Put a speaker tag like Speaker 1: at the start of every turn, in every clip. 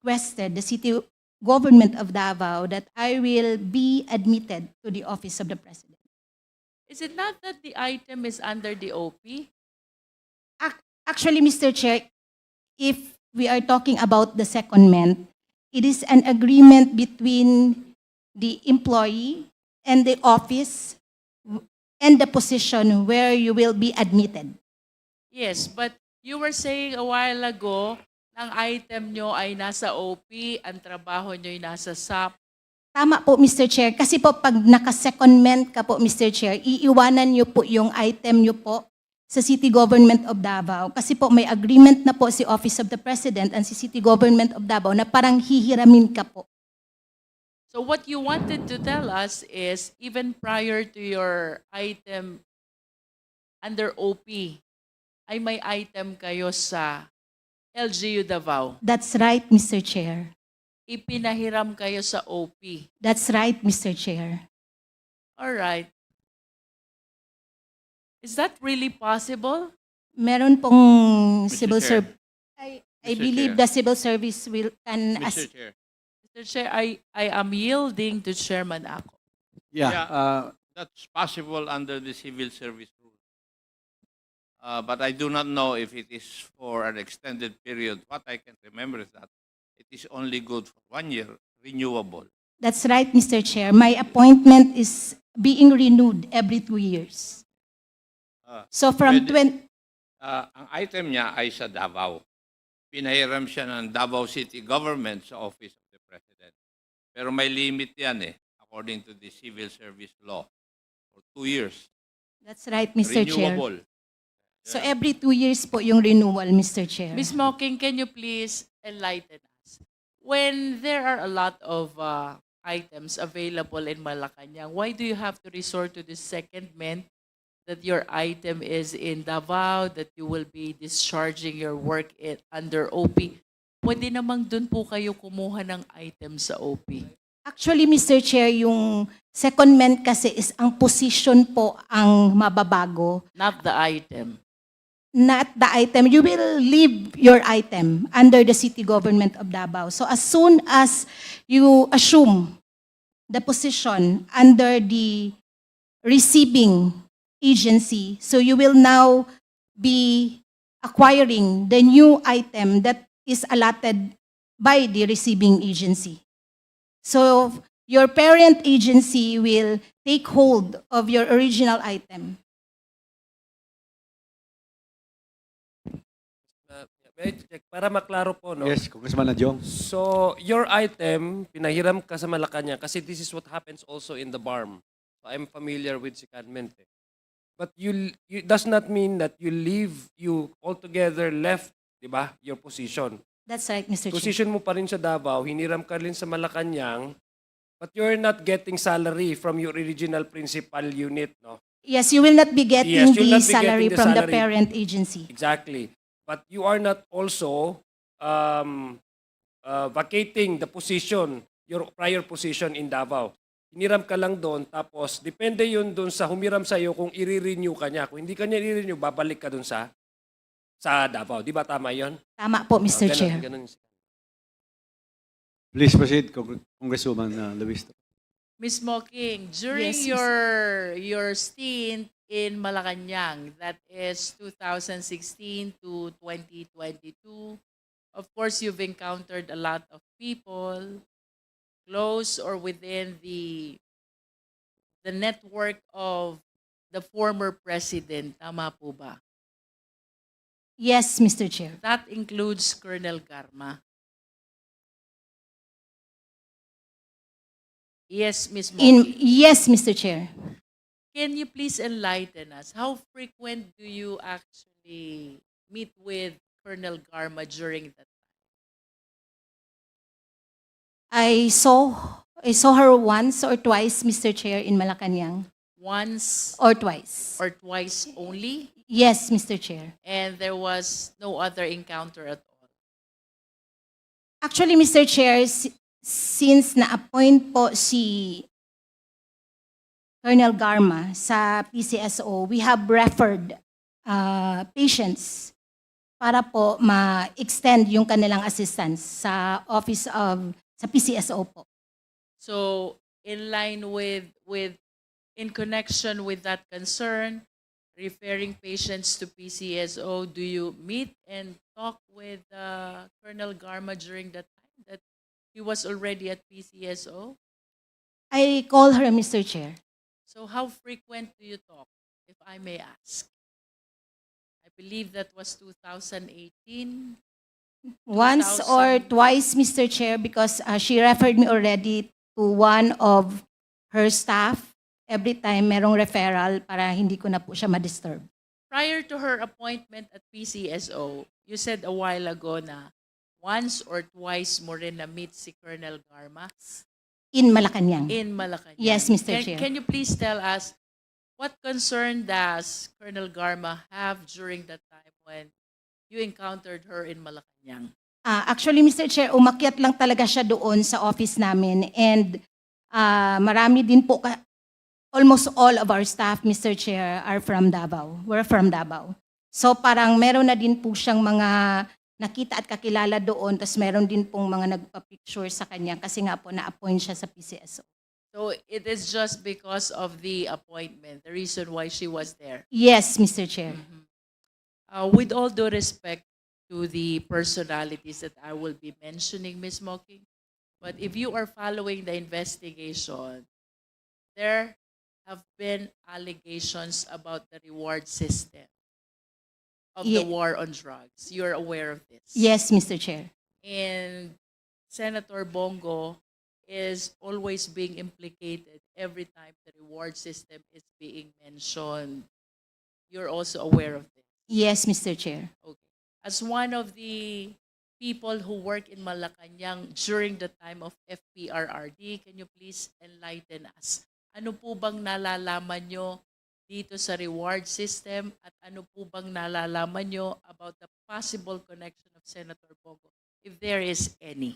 Speaker 1: requested the city government of Davao that I will be admitted to the office of the president.
Speaker 2: Is it not that the item is under the OP?
Speaker 1: Actually, Mr. Chair, if we are talking about the secondment, it is an agreement between the employee and the office and the position where you will be admitted.
Speaker 2: Yes, but you were saying a while ago, ang item nyo ay nasa OP, ang trabaho nyo ay nasa SAP.
Speaker 1: Tama po, Mr. Chair. Kasi po, pag naka-secondment ka po, Mr. Chair, iiwanan niyo po yung item niyo po sa City Government of Davao. Kasi po, may agreement na po si Office of the President and si City Government of Davao na parang hihiramin ka po.
Speaker 2: So what you wanted to tell us is, even prior to your item under OP, ay may item kayo sa LGU Davao.
Speaker 1: That's right, Mr. Chair.
Speaker 2: Ipinahiram kayo sa OP.
Speaker 1: That's right, Mr. Chair.
Speaker 2: All right. Is that really possible?
Speaker 1: Meron pong
Speaker 3: Mr.
Speaker 1: civil
Speaker 3: Chair.
Speaker 1: service. I
Speaker 3: Mr.
Speaker 1: believe
Speaker 3: Chair.
Speaker 1: the civil service can
Speaker 3: Mr. Chair.
Speaker 2: Mr. Chair, I am yielding to Chairman Ako.
Speaker 3: That's possible under the civil service rule. But I do not know if it is for an extended period. What I can remember is that it is only good for 1 year, renewable.
Speaker 1: That's right, Mr. Chair. My appointment is being renewed every 2 years. So from
Speaker 3: Pwede- ang item niya ay sa Davao. Pinahiram siya ng Davao City Government sa Office of the President. Pero may limit yan according to the civil service law. For 2 years.
Speaker 1: That's right, Mr. Chair.
Speaker 3: Renewable.
Speaker 1: So every 2 years po yung renewal, Mr. Chair.
Speaker 2: Ms. Mocking, can you please enlighten us? When there are a lot of items available in Malacanang, why do you have to resort to this secondment that your item is in Davao, that you will be discharging your work under OP? Pwede namang dun po kayo kumuha ng item sa OP.
Speaker 1: Actually, Mr. Chair, yung secondment kasi is ang position po ang mababago.
Speaker 2: Not the item.
Speaker 1: Not the item. You will leave your item under the City Government of Davao. So as soon as you assume the position under the receiving agency, so you will now be acquiring the new item that is allotted by the receiving agency. So your parent agency will take hold of your original item.
Speaker 4: May I check? Para maklaro po, no?
Speaker 5: Yes, Congressman Adjong.
Speaker 4: So, your item, pinahiram ka sa Malacanang kasi this is what happens also in the BARM. So, I'm familiar with secondment. But you does not mean that you altogether left, di ba, your position.
Speaker 1: That's right, Mr. Chair.
Speaker 4: Position mo pa rin sa Davao, hiniram ka rin sa Malacanang, but you're not getting salary from your original principal unit, no?
Speaker 1: Yes, you will not be getting
Speaker 4: Yes, you'll
Speaker 1: the
Speaker 4: not be
Speaker 1: salary
Speaker 4: getting the
Speaker 1: from the
Speaker 4: salary.
Speaker 1: parent agency.
Speaker 4: Exactly. But you are not also vacating the position, your prior position in Davao. Hiniram ka lang doon, tapos depende yun doon sa humiram sa'yo kung i-renew ka niya. Kung hindi ka niya i-renew, babalik ka doon sa Davao. Di ba tama yun?
Speaker 1: Tama po, Mr.
Speaker 4: Ganun-
Speaker 1: Chair.
Speaker 4: ganun.
Speaker 5: Please proceed, Congresswoman Luis.
Speaker 2: Ms. Mocking, during
Speaker 1: Yes,
Speaker 2: your stint in Malacanang, that is 2016 to 2022, of course, you've encountered a lot of people close or within the network of the former president. Tama po ba?
Speaker 1: Yes, Mr. Chair.
Speaker 2: That includes Colonel Garma. Yes, Ms. Mocking.
Speaker 1: Yes, Mr. Chair.
Speaker 2: Can you please enlighten us? How frequent do you actually meet with Colonel Garma during that time?
Speaker 1: I saw her once or twice, Mr. Chair, in Malacanang.
Speaker 2: Once
Speaker 1: Or twice.
Speaker 2: or twice only?
Speaker 1: Yes, Mr. Chair.
Speaker 2: And there was no other encounter at all?
Speaker 1: Actually, Mr. Chair, since na-appoint po si Colonel Garma sa PCSO, we have referred patients para po ma-extend yung kanilang assistance sa sa PCSO po.
Speaker 2: So, in line in connection with that concern, referring patients to PCSO, do you meet and talk with Colonel Garma during that time that he was already at PCSO?
Speaker 1: I call her Mr. Chair.
Speaker 2: So how frequent do you talk, if I may ask? I believe that was 2018.
Speaker 1: Once or
Speaker 2: 2000.
Speaker 1: twice, Mr. Chair, because she referred me already to one of her staff. Every time merong referral para hindi ko na po siya ma-disturb.
Speaker 2: Prior to her appointment at PCSO, you said a while ago na once or twice mo rin na-meet si Colonel Garma
Speaker 1: In Malacanang.
Speaker 2: in Malacanang.
Speaker 1: Yes, Mr. Chair.
Speaker 2: Can you please tell us what concern does Colonel Garma have during that time when you encountered her in Malacanang?
Speaker 1: Actually, Mr. Chair, umakyat lang talaga siya doon sa office namin and marami din po, almost all of our staff, Mr. Chair, are from Davao. We're from Davao. So parang meron na din po siyang mga nakita at kakilala doon, tapos meron din pong mga nagpa-picture sa kanya kasi nga po na-appoint siya sa PCSO.
Speaker 2: So it is just because of the appointment, the reason why she was there.
Speaker 1: Yes, Mr. Chair.
Speaker 2: With all due respect to the personalities that I will be mentioning, Ms. Mocking, but if you are following the investigation, there have been allegations about the reward system of the
Speaker 1: Ye-
Speaker 2: war on drugs. You're aware of this?
Speaker 1: Yes, Mr. Chair.
Speaker 2: And Senator Bongo is always being implicated every time the reward system is being mentioned. You're also aware of this?
Speaker 1: Yes, Mr. Chair.
Speaker 2: Okay. As one of the people who work in Malacanang during the time of FPRRD, can you please enlighten us? Ano po bang nalalaman nyo dito sa reward system at ano po bang nalalaman nyo about the possible connection of Senator Bongo, if there is any?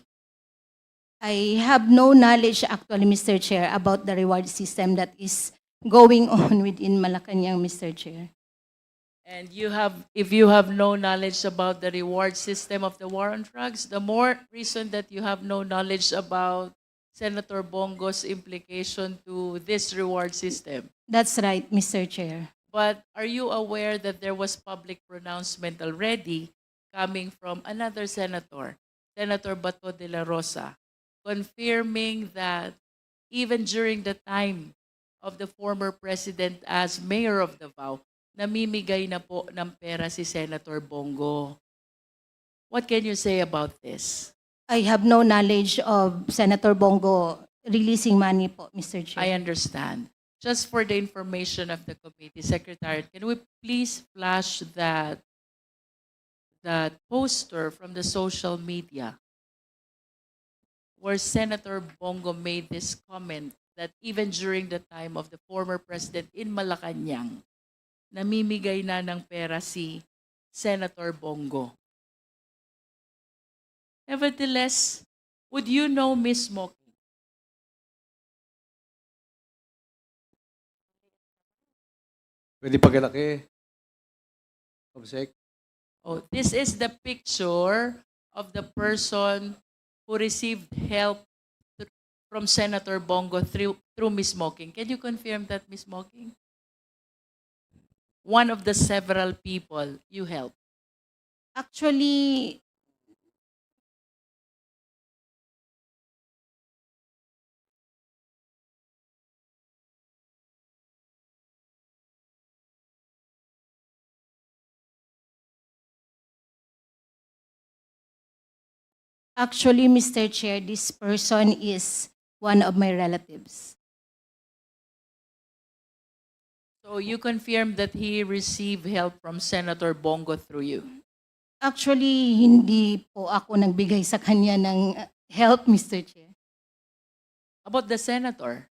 Speaker 1: I have no knowledge actually, Mr. Chair, about the reward system that is going on within Malacanang, Mr. Chair.
Speaker 2: And if you have no knowledge about the reward system of the war on drugs, the more reason that you have no knowledge about Senator Bongo's implication to this reward system.
Speaker 1: That's right, Mr. Chair.
Speaker 2: But are you aware that there was public pronouncement already coming from another senator, Senator Bato de la Rosa, confirming that even during the time of the former president as mayor of Davao, namimigay na po ng pera si Senator Bongo? What can you say about this?
Speaker 1: I have no knowledge of Senator Bongo releasing money po, Mr. Chair.
Speaker 2: I understand. Just for the information of the committee, Secretary, can we please flash that poster from the social media where Senator Bongo made this comment that even during the time of the former president in Malacanang, namimigay na ng pera si Senator Bongo. Nevertheless, would you know Ms. Mocking?
Speaker 5: Pwede pagkalaki. Obsec.
Speaker 2: Oh, this is the picture of the person who received help from Senator Bongo through Ms. Mocking. Can you confirm that, Ms. Mocking? One of the several people you helped.
Speaker 1: Actually, Mr. Chair, this person is one of my relatives.
Speaker 2: So you confirmed that he received help from Senator Bongo through you.
Speaker 1: Actually, hindi po ako nagbigay sa kanya ng help, Mr. Chair.
Speaker 2: About the senator?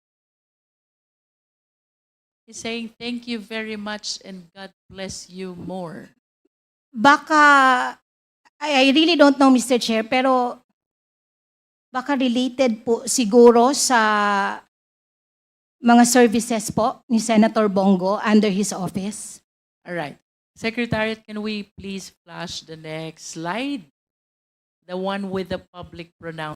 Speaker 2: He's saying, thank you very much and God bless you more.
Speaker 1: Baka, I really don't know, Mr. Chair, pero baka related po siguro sa mga services po ni Senator Bongo under his office.
Speaker 2: All right. Secretariat, can we please flash the next slide? The one with the public pronouncement.